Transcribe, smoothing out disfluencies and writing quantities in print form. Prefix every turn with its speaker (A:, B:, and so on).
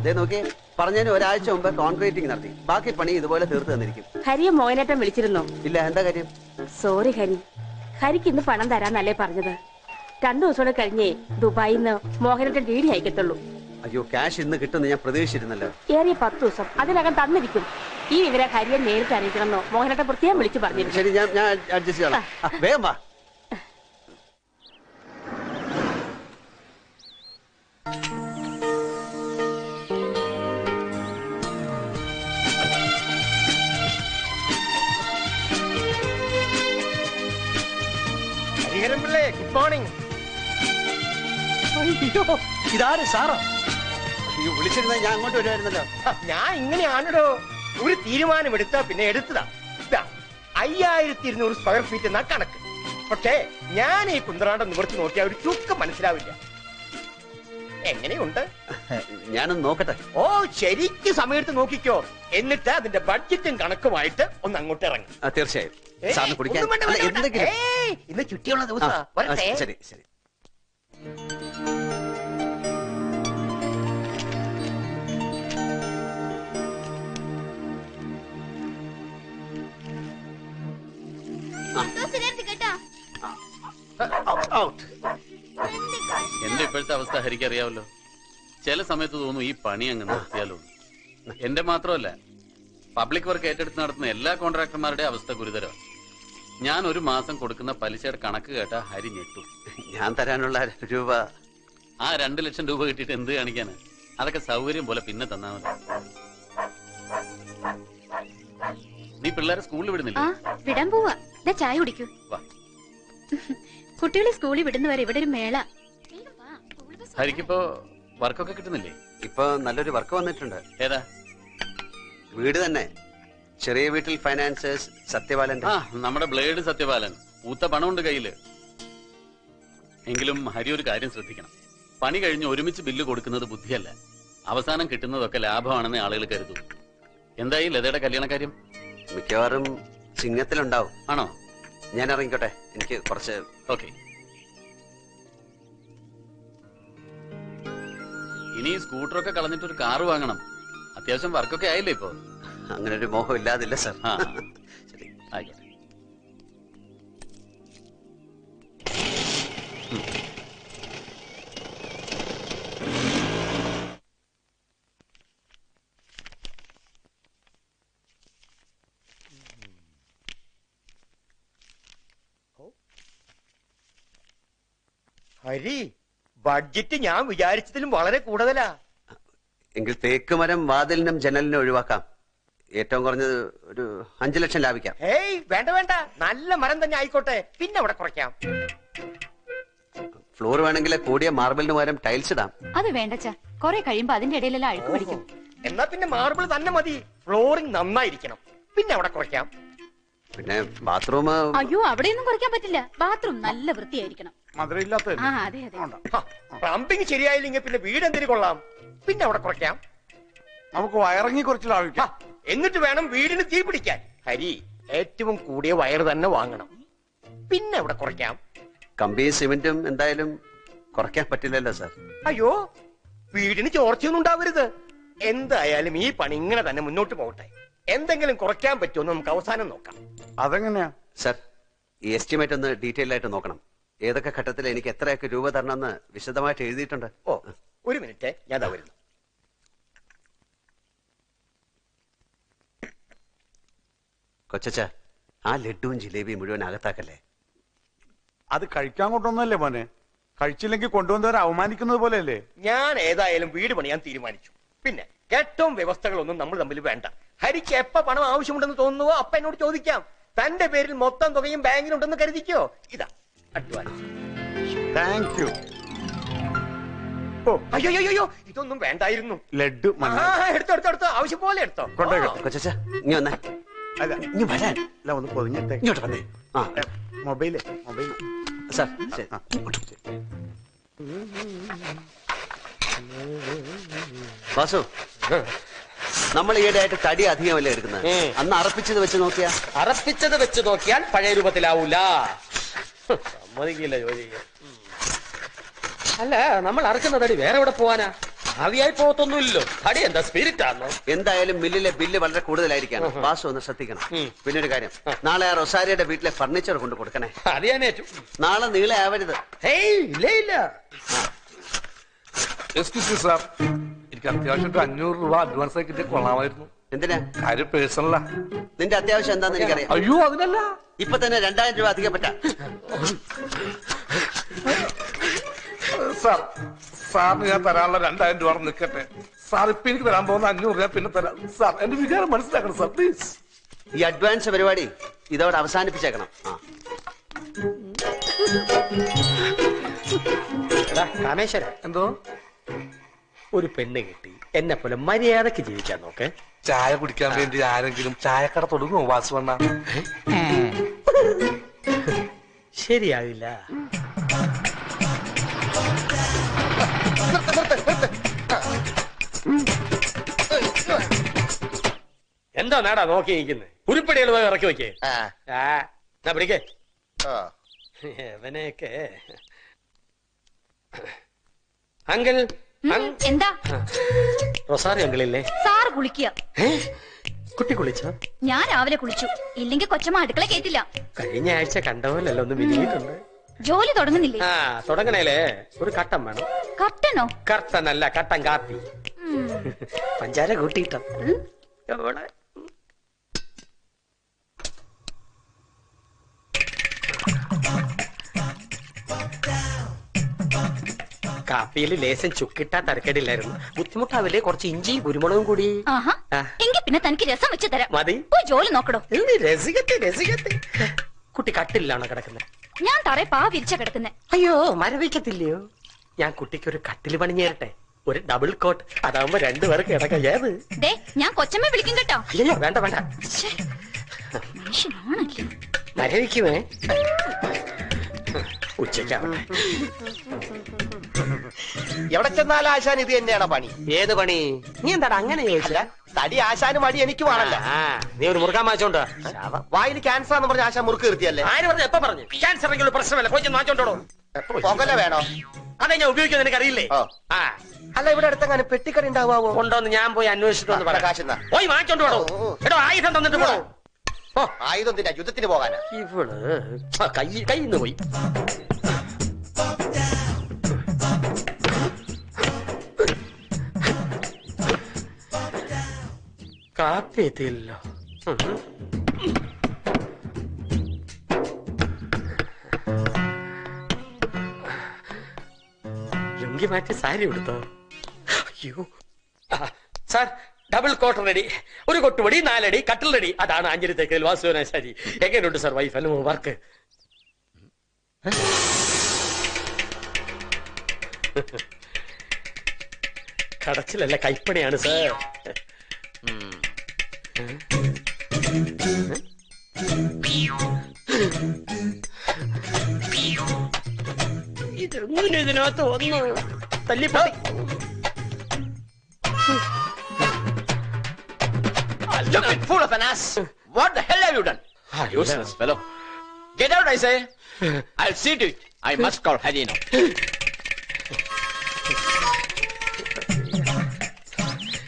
A: ഇതേ നോക്കി പറഞ്ഞതിന് ഒരാഴ്ച മുമ്പ് കോൺക്രീറ്റിംഗ് നടത്തി. ബാക്കി പണി ഇതുപോലെ തീർത്ത് തന്നിരിക്കും.
B: ഹരിയെ മോഹനേട്ടൻ വിളിച്ചിരുന്നോ?
A: ഇല്ല. എന്താ കാര്യം?
B: സോറി ഹരി, ഹരിക്ക് ഇന്ന് പണം തരാന്നല്ലേ പറഞ്ഞത്. 2 ദിവസം കഴിഞ്ഞേ ദുബായിൽ നിന്ന് മോഹനേട്ടൻ ഡി അയക്കത്തുള്ളൂ.
A: അയ്യോ, ക്യാഷ് ഇന്ന് കിട്ടുമെന്ന് ഞാൻ പ്രതീക്ഷിച്ചിരുന്നല്ലോ.
B: ഏറിയ 10 ദിവസം അതിനകം തന്നിരിക്കും. ഈ വിവരം ഹരിയെ നേരിട്ട് അറിയിക്കണമെന്നോ മോഹനേട്ടൻ പ്രത്യേകം വിളിച്ചു പറഞ്ഞിരുന്നു.
A: ശരി, ഞാൻ അഡ്ജസ്റ്റ് ചെയ്യാം. വേഗം വാ.
C: Good morning.
A: ഇതാര് സാറോ? അയ്യോ, വിളിച്ചിരുന്ന ഞാൻ അങ്ങോട്ട് വരുമായിരുന്നല്ലോ.
C: ഞാൻ ഇങ്ങനെയാണോ ഒരു തീരുമാനമെടുത്താ പിന്നെ എടുത്തതാ. 5200 സ്ക്വയർ ഫീറ്റ് എന്നാ കണക്ക്. പക്ഷേ ഞാൻ ഈ കുന്ത്രാണ്ടം നിവർത്തി നോക്കിയാൽ ഒരു ചുക്ക് മനസ്സിലാവില്ല. എങ്ങനെയുണ്ട്?
A: ഞാനൊന്ന് നോക്കട്ടെ.
C: ഓ, ശരിക്കും സമയത്ത് നോക്കിക്കോ. എന്നിട്ട് അതിന്റെ ബഡ്ജറ്റും കണക്കുമായിട്ട് ഒന്ന് അങ്ങോട്ട് ഇറങ്ങി.
A: തീർച്ചയായും.
C: ഇന്ന് ചുറ്റിയുള്ള ദിവസം.
A: ശരി ശരി.
D: എന്റെ ഇപ്പോഴത്തെ അവസ്ഥ ഹരിക്കറിയാവല്ലോ. ചില സമയത്ത് തോന്നും ഈ പണി അങ്ങ് നിർത്തിയാലോ. എന്റെ മാത്രമല്ല, പബ്ലിക് വർക്ക് ഏറ്റെടുത്ത് നടത്തുന്ന എല്ലാ കോൺട്രാക്ടർമാരുടെ അവസ്ഥ ഗുരുതരമാണ്. ഞാൻ ഒരു മാസം കൊടുക്കുന്ന പലിശയുടെ കണക്ക് കേട്ടാ ഹരി ഞെട്ടും.
A: ഞാൻ തരാനുള്ള രൂപ,
D: ആ 2 ലക്ഷം രൂപ കിട്ടിയിട്ട് എന്ത് കാണിക്കാന്? അതൊക്കെ സൗകര്യം പോലെ പിന്നെ തന്നാ മതി. നീ പിള്ളേരെ സ്കൂളിൽ വിടുന്നില്ല?
E: വിടാൻ പോവാ. ചായ കുടിക്കൂ. കുട്ടികളെ സ്കൂളിൽ വിടുന്നവരെ ഇവിടെ ഒരു മേള.
D: ഹരിക്കിപ്പോ വർക്കൊക്കെ കിട്ടുന്നില്ലേ?
A: ഇപ്പൊ നല്ലൊരു വർക്ക് വന്നിട്ടുണ്ട്.
D: ഏതാ?
A: വീട് തന്നെ. ചെറിയ വീട്ടിൽ ഫൈനാൻസേഴ്സ് സത്യപാലൻ.
D: നമ്മുടെ ബ്ലേഡ് സത്യപാലൻ. ഊത്ത പണമുണ്ട് കയ്യില്. എങ്കിലും ഹരി ഒരു കാര്യം ശ്രദ്ധിക്കണം. പണി കഴിഞ്ഞ് ഒരുമിച്ച് ബില്ല് കൊടുക്കുന്നത് ബുദ്ധിയല്ല. അവസാനം കിട്ടുന്നതൊക്കെ ലാഭമാണെന്ന് ആളുകൾ കരുതും. എന്തായി ലതയുടെ കല്യാണ കാര്യം?
A: മിക്കവാറും ചിങ്ങത്തിലുണ്ടാവും.
D: ആണോ?
A: ഞാൻ ഇറങ്ങിക്കോട്ടെ, എനിക്ക് കുറച്ച്.
D: ഓക്കെ. ഇനി സ്കൂട്ടറൊക്കെ കളഞ്ഞിട്ടൊരു കാറ് വാങ്ങണം. അത്യാവശ്യം വർക്കൊക്കെ ആയില്ലേ ഇപ്പൊ?
A: അങ്ങനെ ഒരു മോഹം ഇല്ലാതില്ല സർ.
D: ശരി, ആയിക്കോട്ടെ.
C: ഹരി, ബഡ്ജറ്റ് ഞാൻ വിചാരിച്ചതിലും വളരെ കൂടുതലാ.
A: എങ്കിൽ തേക്ക് മരം വാതിലിനും ജനലിനും ഒഴിവാക്കാം. ഏറ്റവും കുറഞ്ഞത് ഒരു 5 ലക്ഷം ലാഭിക്കാം.
C: ഏയ് വേണ്ട വേണ്ട, നല്ല മരം തന്നെ ആയിക്കോട്ടെ. പിന്നെ അവിടെ കുറയ്ക്കാം.
A: ഫ്ലോർ വേണമെങ്കിൽ കൂടിയ മാർബിളിന് പകരം ടൈൽസ് ഇടാം.
E: അത് വേണ്ടച്ചാ, കുറെ കഴിയുമ്പോ അതിന്റെ ഇടയിലെല്ലാം അഴുക്ക് പിടിക്കും.
C: എന്നാ പിന്നെ മാർബിൾ തന്നെ മതി. ഫ്ലോറിംഗ് നന്നായിരിക്കണം. പിന്നെ അവിടെ കുറയ്ക്കാം.
A: പിന്നെ ബാത്റൂം.
E: അയ്യോ, അവിടെയൊന്നും കുറയ്ക്കാൻ പറ്റില്ല. ബാത്റൂം നല്ല വൃത്തിയായിരിക്കണം.
C: പ്ലംബിംഗ് ശരിയായില്ലെങ്കിൽ പിന്നെ വീട് എന്തിനു കൊള്ളാം. പിന്നെ അവിടെ കുറയ്ക്കാം.
F: നമുക്ക് വയറിങ്ങി കുറച്ച് ലാഭിക്കാം.
C: എന്നിട്ട് വേണം വീടിന് തീ പിടിക്കാൻ. ഹരി, ഏറ്റവും കൂടിയ വയർ തന്നെ വാങ്ങണം. പിന്നെ അവിടെ കുറയ്ക്കാം.
A: കമ്പിയും സിമെന്റും എന്തായാലും കുറയ്ക്കാൻ പറ്റില്ലല്ലോ സാർ.
C: അയ്യോ, വീടിന് ചോർച്ചയൊന്നും ഉണ്ടാവരുത്. എന്തായാലും ഈ പണി ഇങ്ങനെ തന്നെ മുന്നോട്ട് പോകട്ടെ. എന്തെങ്കിലും കുറയ്ക്കാൻ പറ്റുമോ നമുക്ക് അവസാനം നോക്കാം.
F: അതെങ്ങനെയാ
A: സാർ? ഈ എസ്റ്റിമേറ്റ് ഒന്ന് ഡീറ്റെയിൽ ആയിട്ട് നോക്കണം. ഏതൊക്കെ ഘട്ടത്തിൽ എനിക്ക് എത്രയൊക്കെ രൂപ തരണമെന്ന് വിശദമായിട്ട് എഴുതിയിട്ടുണ്ട്.
C: ഓ, ഒരു മിനിറ്റ്, ഞാൻ ദാ വരുന്നു.
A: കൊച്ചച്ച, ആ ലഡുവും ജിലേബിയും മുഴുവൻ അകത്താക്കല്ലേ.
F: അത് കഴിക്കാൻ കൊണ്ടുവന്നല്ലേ മോനെ? കഴിച്ചില്ലെങ്കിൽ കൊണ്ടുവന്നവരെ അവമാനിക്കുന്നത് പോലെയല്ലേ?
C: ഞാൻ ഏതായാലും വീട് പണിയാൻ തീരുമാനിച്ചു. പിന്നെ ഏറ്റവും വ്യവസ്ഥകളൊന്നും നമ്മൾ തമ്മിൽ വേണ്ട. ഹരിക്ക് എപ്പ പണം ആവശ്യമുണ്ടെന്ന് തോന്നുന്നുവോ അപ്പ എന്നോട് ചോദിക്കാം. തന്റെ പേരിൽ മൊത്തം തുകയും ബാങ്കിലുണ്ടെന്ന് കരുതിക്കോ. ഇതാ അഡ്വാൻസ്.
F: Thank you.
C: ഓ, അയ്യോ, ഇതൊന്നും വേണ്ടായിരുന്നു.
F: ലഡു
C: എടുത്തോ, ആവശ്യം പോലെ എടുത്തോ.
A: കൊച്ചച്ച, ഇനി വന്നേ.
F: അല്ല,
A: ഇനി വരാൻ.
F: അല്ല, ഒന്ന് പൊതിഞ്ഞിട്ടേ.
A: ഇങ്ങോട്ട് വന്നേ.
F: Mobile
A: sir. വാസു, നമ്മൾ ഈയിടെയായിട്ട് തടി അധികമല്ലേ എടുക്കുന്നത്? അന്ന് അറപ്പിച്ചത് വെച്ച് നോക്കിയാൽ
C: പഴയ രൂപത്തിലാവൂല. സമ്മതിക്കില്ല ജോലി. അല്ല, നമ്മൾ അറക്കുന്ന തടി വേറെ എവിടെ പോവാനാ? ഭാവിയായി പോകത്തൊന്നുമില്ലല്ലോ. അടി എന്താ സ്പിരിറ്റ് ആണോ?
A: എന്തായാലും മില്ലിലെ ബില്ല് വളരെ കൂടുതലായിരിക്കാണ്. വാസു ഒന്ന് ശ്രദ്ധിക്കണം. പിന്നെ ഒരു കാര്യം, നാളെ ആ റൊസാരിയുടെ വീട്ടിലെ ഫർണിച്ചർ കൊണ്ട് കൊടുക്കണേ.
C: അത് ഞാൻ ഏറ്റു.
A: നാളെ നീളെ ആവരുത്.
C: ഹേയ് ഇല്ല ഇല്ല.
G: എക്സ്ക്യൂസ് സാർ, എനിക്ക് അത്യാവശ്യം 500 രൂപ അഡ്വാൻസ് ആയി കിട്ടിയ കൊള്ളാമായിരുന്നു.
A: എന്തിനാ?
G: കാര്യം പേഴ്സണലാ.
A: നിന്റെ അത്യാവശ്യം എന്താന്ന് എനിക്കറിയാം.
G: അയ്യോ അതിനല്ല,
A: ഇപ്പൊ തന്നെ 2000 രൂപ അധികം പറ്റാ.
G: സാർ, സാറിന് ഞാൻ തരാനുള്ള 2000 രൂപ നിൽക്കട്ടെ. സാർ ഇപ്പൊ എനിക്ക് തരാൻ പോകുന്ന 500 രൂപ പിന്നെ തരാം. സാർ എന്റെ വികാരം മനസ്സിലാക്കണം സാർ, പ്ലീസ്.
A: ഈ അഡ്വാൻസ് പരിപാടി ഇതോടെ അവസാനിപ്പിച്ചേക്കണം.
C: കാമേശ്വര,
G: എന്തോ
C: ഒരു പെണ്ണ് കിട്ടി എന്നെ പോലെ മര്യാദക്ക് ജീവിക്കാൻ നോക്ക്.
G: ചായ കുടിക്കാൻ വേണ്ടി ആരെങ്കിലും ചായക്കട തുടങ്ങുമോ വാസുവണ്ണ?
C: ശരിയാവില്ല. എന്താ നേടാ നോക്കി നിൽക്കുന്നത്? ഉരുപ്പടികൾ പോയി ഇറക്കി വെക്കേ. പിടിക്കേ അവനെയൊക്കെ. അങ്കിൾ
E: എന്താ?
C: റൊസാറി അങ്കിളില്ലേ?
E: സാറ് കുളിക്കുക.
C: കുട്ടി കുളിച്ചോ?
E: ഞാൻ രാവിലെ കുളിച്ചു. ഇല്ലെങ്കിൽ കൊച്ചമ്മ അടുക്കള കേട്ടില്ല.
C: കഴിഞ്ഞ ആഴ്ച കണ്ടപോലല്ലോ ഒന്ന് വിരിയിട്ടുണ്ട്.
E: ജോലി തുടങ്ങുന്നില്ലേ?
C: തുടങ്ങണേലേ ഒരു കട്ടൻ വേണം.
E: കട്ടനോ?
C: കട്ടനല്ല, കട്ടൻ കാപ്പി. പഞ്ചാര കൂട്ടിയിട്ടോ? കാപ്പിയിൽ ലേശം ചുക്കിട്ടാ തരക്കേടില്ലായിരുന്നു. ബുദ്ധിമുട്ടാവില്ലേ? കുറച്ച് ഇഞ്ചിയും കുരുമുളകും കൂടി.
E: ആഹാ, എങ്കിൽ പിന്നെ തനിക്ക് രസം വെച്ച് തരാം.
C: മതി.
E: പോയി ജോലി നോക്കടോ.
C: രസികത്തെ രസികത്തെ. കുട്ടി കട്ടിലാണോ കിടക്കുന്നത്?
E: ഞാൻ തറയെ പാ വിരിച്ച കിടക്കുന്നെ.
C: അയ്യോ, മരവിക്കത്തില്ലയോ? ഞാൻ കുട്ടിക്ക് ഒരു കട്ടില് പണിഞ്ഞു തരട്ടെ, ഒരു ഡബിൾ കോട്ട്. അതാവുമ്പോ 2 പേർക്ക് കിടക്കാം. ഏത്?
E: ദേ, ഞാൻ കൊച്ചമ്മ വിളിക്കും കേട്ടോ.
C: അയ്യോ വേണ്ട വേണ്ട,
E: മനുഷ്യനാണല്ലേ.
C: മരവിക്കുമേ. ഉച്ചയ്ക്കാവട്ടെ.
H: എവിടെ ചെന്നാലും ആശാൻ ഇത് തന്നെയാണ് പണി.
C: ഏത് പണി? നീ എന്താടാ അങ്ങനെ ചോദിച്ചില്ല?
H: തടി ആശാനും മടി എനിക്ക് വേണല്ലോ.
C: നീ ഒരു മുറുക്കാൻ വാങ്ങിച്ചോണ്ട്
H: വായിൽ ക്യാൻസർ എന്ന് പറഞ്ഞ ആശാൻ മുറുക്ക് നിർത്തിയല്ലേ?
C: ആര് പറഞ്ഞു? എപ്പ പറഞ്ഞു? ക്യാൻസർ എങ്കിലും പ്രശ്നമല്ല, പോയി വാങ്ങിച്ചോണ്ടോ.
H: പുകല വേണോ?
C: അതെ, ഞാൻ ഉപയോഗിക്കുന്നത് നിനക്ക് അറിയില്ലേ?
H: അല്ല, ഇവിടെ അടുത്തെങ്ങനെ പെട്ടിക്കട ഉണ്ടാവാവോ?
C: ഉണ്ടോന്ന് ഞാൻ പോയി അന്വേഷിച്ചിട്ടൊന്ന് പറയാം.
H: കാശെന്നാ
C: പോയി വാങ്ങിച്ചോണ്ട് പോടോ. എടോ, ആയുധം തന്നിട്ട് പോടോ.
H: ആയുധം തിന്നാ യുദ്ധത്തിന് പോകാനാ?
C: ഇവള് കയ്യിന്ന് പോയി. കാപ്പി എത്തിയില്ലല്ലോ. ലുങ്കി മാറ്റി സാരി എടുത്തോ? അയ്യോ സാർ, ഡബിൾ കോട്ടർ റെഡി, ഒരു കൊട്ടുപടി, 4 അടി കട്ടിൽ റെഡി. അതാണ് അഞ്ചരി തേക്കൽ വാസുവനാശാരി. എങ്ങനെയുണ്ട് സാർ വൈഫ് അല്ല വർക്ക്? കടച്ചിലല്ല, കൈപ്പണിയാണ് സാർ. ഇതെങ്ങനെ ഇതിനകത്ത് വന്നു? തല്ലിപ്പോ
H: Stupid fool of an ass! What the hell have you done?
D: Useless fellow.
H: Get out, I say! I'll see to it. I must call Haji now.